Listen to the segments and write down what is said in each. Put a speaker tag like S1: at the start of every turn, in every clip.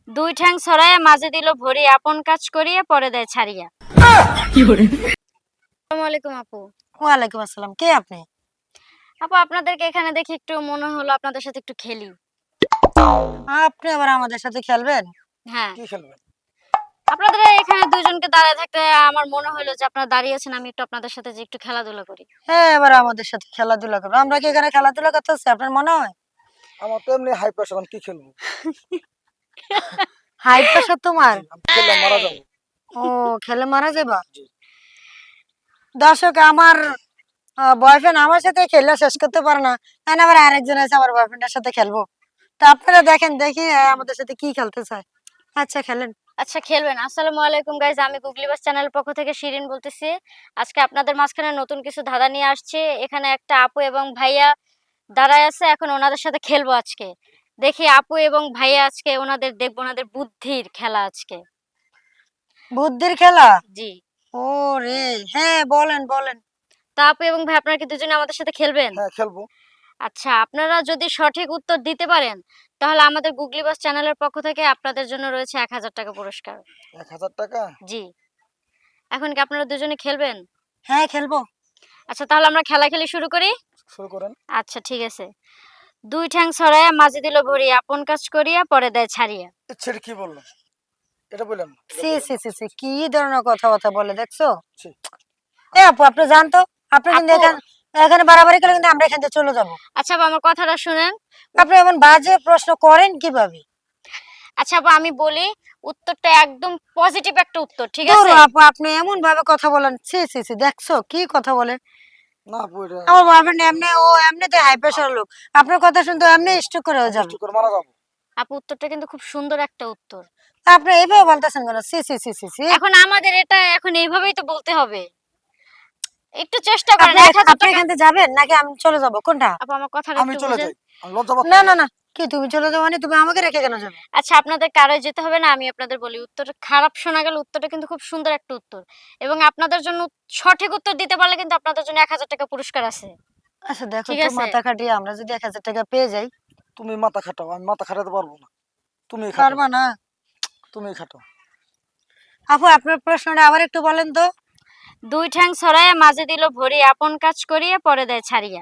S1: দুই ঠ্যাং ছড়াইয়া মাঝে দিল ভরি, আপন কাজ করিয়া পরে দেয় ছাড়িয়া। আসসালামু আলাইকুম আপু।
S2: ওয়ালাইকুম আসসালাম। কে আপনি?
S1: আপু, আপনাদেরকে এখানে দেখে একটু মনে হলো আপনাদের সাথে একটু খেলি।
S2: আপনি আবার আমাদের সাথে খেলবেন?
S1: হ্যাঁ,
S3: কি খেলবেন?
S1: আপনাদের এখানে দুইজনকে দাঁড়ায় থাকতে আমার মনে হলো যে আপনারা দাঁড়িয়ে আছেন, আমি একটু আপনাদের সাথে যে একটু খেলাধুলা করি।
S2: হ্যাঁ, এবার আমাদের সাথে খেলাধুলা করবো। আমরা কি এখানে খেলাধুলা করতেছি আপনার মনে হয়?
S3: আমার তো এমনি হাই প্রেশার, আমি কি খেলবো?
S2: হাই প্রেশার তোমার?
S3: জি, আমি খেললে মারা যাবো।
S2: ও, খেলে মারা যাবা?
S3: জি।
S2: দর্শক, আমার বয়ফ্রেন্ড আমার সাথে খেলে শেষ করতে পারে না, তাই আবার আরেকজন আছে আমার বয়ফ্রেন্ডের সাথে খেলবো। তো আপনারা দেখেন, দেখি আমাদের সাথে কি খেলতে চায়। আচ্ছা, খেলেন।
S1: আচ্ছা, খেলবেন। আসসালামু আলাইকুম গাইজ, আমি গুগলি বাস চ্যানেলের পক্ষ থেকে শিরিন বলতেছি। আজকে আপনাদের মাঝখানে নতুন কিছু ধাঁধা নিয়ে আসছি। এখানে একটা আপু এবং ভাইয়া দাঁড়ায় আছে, এখন ওনাদের সাথে খেলবো আজকে। দেখি আপু এবং ভাইয়া আজকে ওনাদের দেখবো, ওনাদের বুদ্ধির খেলা আজকে।
S2: বুদ্ধির খেলা?
S1: জি।
S2: ও রে, হ্যাঁ বলেন বলেন।
S1: তা আপু এবং ভাই, আপনারা কি দুজনে আমাদের সাথে খেলবেন?
S3: হ্যাঁ, খেলবো।
S1: আচ্ছা, আপনারা যদি সঠিক উত্তর দিতে পারেন তাহলে আমাদের গুগলি বাস চ্যানেলের পক্ষ থেকে আপনাদের জন্য রয়েছে ১,০০০ টাকা পুরস্কার।
S3: ১,০০০ টাকা?
S1: জি। এখন কি আপনারা দুজনে খেলবেন?
S2: হ্যাঁ, খেলবো।
S1: আচ্ছা, তাহলে আমরা খেলা শুরু করি।
S3: শুরু করেন।
S1: আচ্ছা, ঠিক আছে। দুই ঠ্যাং ছড়াইয়া মাঝে দিল ভরি, আপন কাজ করিয়া পরে দেয় ছাড়িয়া।
S3: সেটা কি বললেন? এটা বললেন না, এটা
S2: সি
S3: বলেন
S2: সি
S3: না।
S2: সি সি, কি ধরনের কথাবার্তা বলে দেখছো?
S3: ছি।
S2: এ আপু, আপনি জানতো আপনি কিন্তু
S1: আপু,
S2: এখানে এখানে বাড়াবাড়ি করলে কিন্তু আমরা এখান থেকে চলে যাবো।
S1: আচ্ছা আপু, আমার কথাটা শুনেন।
S2: আপনি এমন বাজে প্রশ্ন করেন কিভাবে?
S1: আচ্ছা আপু, আমি বলি, উত্তরটা একদম পজিটিভ একটা উত্তর, ঠিক
S2: ধরো
S1: আছে?
S2: আপু, আপনি এমন ভাবে কথা বলেন, সি সি সি, দেখছো কি কথা বলে?
S3: না আপু, এটা
S2: আমার বয়ফ্রেন্ড এমনি, ও এমনিতে হাই প্রেশার লোক, আপনার কথা শুনতে এমনি স্ট্রোক করে হয়ে
S3: আমি
S2: যাবে।
S3: মিষ্টি করে মারা যাবো।
S1: আপু, উত্তরটা কিন্তু খুব সুন্দর একটা উত্তর।
S2: তা আপনি এইভাবে বলতেছেন কেন? সি সি সি সি সি।
S1: এখন আমাদের এটা এখন এইভাবেই তো বলতে হবে। একটু চেষ্টা করেন।
S2: আপনি
S1: ১,০০০
S2: আপনি
S1: টাকা।
S2: এখান থেকে যাবেন নাকি আমি চলে যাব, কোনটা?
S1: আপু, আমার কথাটা
S3: আমি
S1: একটু
S3: চলে
S1: বুঝেন।
S3: যাই। আমি লজ্জা পাচ্ছি।
S2: না না না, কি তুমি চলে যাও মানে? তুমি আমাকে রেখে কেন যাবে?
S1: আচ্ছা, আপনাদের কারোই যেতে হবে না, আমি আপনাদের বলি। উত্তরটা খারাপ শোনা গেল, উত্তরটা কিন্তু খুব সুন্দর একটা উত্তর। এবং আপনাদের জন্য সঠিক উত্তর দিতে পারলে কিন্তু আপনাদের জন্য ১,০০০ টাকা পুরস্কার আছে।
S2: আচ্ছা দেখো
S1: ঠিক
S2: তো,
S1: আছে?
S2: মাথা খাটিয়ে আমরা যদি 1,000 টাকা পেয়ে যাই।
S3: তুমি মাথা খাটাও, আমি মাথা খাটাতে পারবো না। তুমি খাটাও,
S2: পারবা না?
S3: তুমি খাটাও।
S2: আপু, আপনার প্রশ্নটা আবার একটু বলেন তো।
S1: দুই ঠ্যাং ছড়াইয়া মাঝে দিল ভরি, আপন কাজ করিয়া পরে দেয় ছাড়িয়া।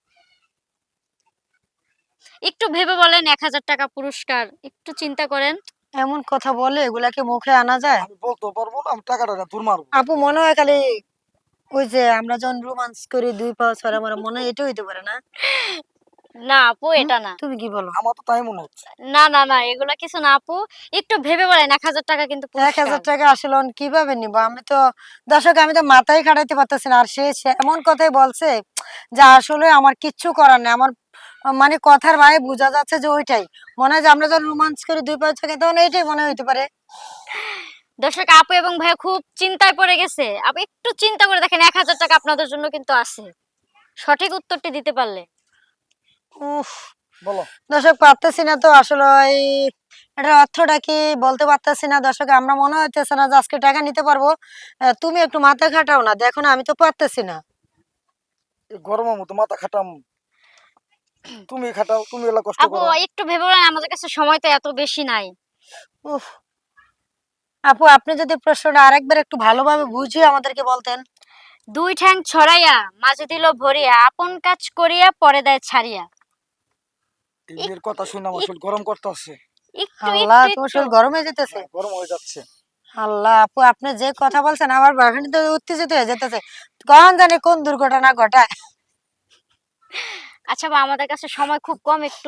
S1: একটু ভেবে বলেন, ১,০০০ টাকা পুরস্কার। একটু চিন্তা করেন।
S2: এমন কথা বলে এগুলাকে মুখে আনা যায়?
S3: আমি বলতেও পারবো না, আমি টাকাটা না দূর মারবো।
S2: আপু, মনে হয় খালি ওই যে আমরা যখন রোমান্স করি, দুই পা ছড়া মারা, মনে হয় এটা হইতে পারে না?
S1: না আপু,
S2: হুম?
S1: এটা না।
S2: তুমি কি বলো?
S3: আমার তো তাই মনে হচ্ছে।
S1: না না না, এগুলা কিছু না আপু। একটু ভেবে বলেন, ১,০০০ টাকা কিন্তু পুরস্কার।
S2: 1,000 টাকা আসলে আমি কিভাবে নিবো? আমি তো, দর্শক, আমি তো মাথায় খাটাইতে পারতেছি না। আর সে এমন কথাই বলছে যে আসলে আমার কিচ্ছু করার নেই। আমার মানে কথার ভাই বোঝা যাচ্ছে যে ওইটাই মনে হয় যে আমরা যখন রোমান্স করি দুই পা ছড়া, তখন এইটাই মনে হইতে পারে।
S1: দর্শক, আপু এবং ভাইয়া খুব চিন্তায় পড়ে গেছে। আপু একটু চিন্তা করে দেখেন, ১,০০০ টাকা আপনাদের জন্য কিন্তু আছে, সঠিক উত্তরটি দিতে পারলে।
S2: উফ,
S3: বলো।
S2: দর্শক, পারতেছি না তো আসলে। এই এটার অর্থটা কি বলতে পারতেছি না দর্শক। আমরা মনে হইতেছে না যে আজকে টাকা নিতে পারবো। তুমি একটু মাথা খাটাও না, দেখো না আমি তো পারতেছি না।
S3: এই গরমের মতো মাথা খাটাম? তুমি খাটাও, তুমি এলা কষ্ট
S1: আপু
S3: করো।
S1: একটু ভেবে বলেন, আমাদের কাছে সময় তো এত বেশি নাই।
S2: উফ, আপু, আপনি যদি প্রশ্নটা আরেকবার একটু ভালোভাবে বুঝিয়ে আমাদেরকে বলতেন।
S1: দুই ঠ্যাং ছড়াইয়া মাঝে দিল ভরিয়া, আপন কাজ করিয়া পরে দেয় ছাড়িয়া।
S3: এই
S1: এক-
S3: মেয়ের কথা শুনে আমার শরীর গরম করতেছে।
S1: একটু
S2: আল্লাহ,
S1: একটু
S2: তোমার
S1: একটু
S2: শরীর গরম হয়ে যেতেছে?
S3: হ্যাঁ, গরম হয়ে যাচ্ছে।
S2: আল্লাহ, আপু, আপনি যে কথা বলছেন আমার বয়ফ্রেন্ড তো উত্তেজিত হয়ে যেতেছে। কখন জানি কোন দুর্ঘটনা ঘটায়।
S1: আচ্ছা বা, আমাদের কাছে সময় খুব কম, একটু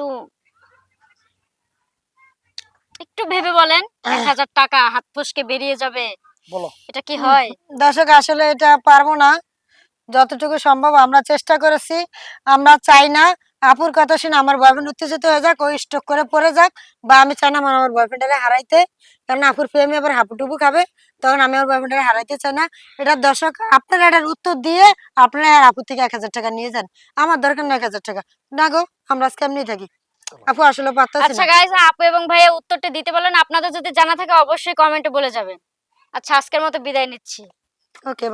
S1: একটু ভেবে বলেন। ১,০০০ টাকা হাত ফসকে বেরিয়ে যাবে,
S3: বলো।
S1: এটা কি হয়?
S2: দর্শক, আসলে এটা পারবো না। যতটুকু সম্ভব আমরা চেষ্টা করেছি। আমরা চাই না আপুর কথা শুনে আমার বয়ফ্রেন্ড উত্তেজিত হয়ে যাক, ওই স্ট্রোক করে পড়ে যাক, বা আমি চাই না আমার বয়ফ্রেন্ডারে হারাইতে। কারণ আপুর প্রেমে আবার হাপুটুপু খাবে, তখন আমি আমার বয়ফ্রেন্ডারে হারাইতে চাই না। এটা দর্শক, আপনারা এটার উত্তর দিয়ে আপনারা আর আপুর থেকে 1,000 টাকা নিয়ে যান। আমার দরকার না 1,000 টাকা। না গো, আমরা আজকে এমনি থাকি। আপু, আসলে পারতেছি
S1: আচ্ছা
S2: না।
S1: গাইজ, আপু এবং ভাইয়া উত্তরটি দিতে পারলেন। আপনাদের যদি জানা থাকে অবশ্যই কমেন্টে বলে যাবেন। আচ্ছা, আজকের মতো বিদায় নিচ্ছি।
S2: ওকে।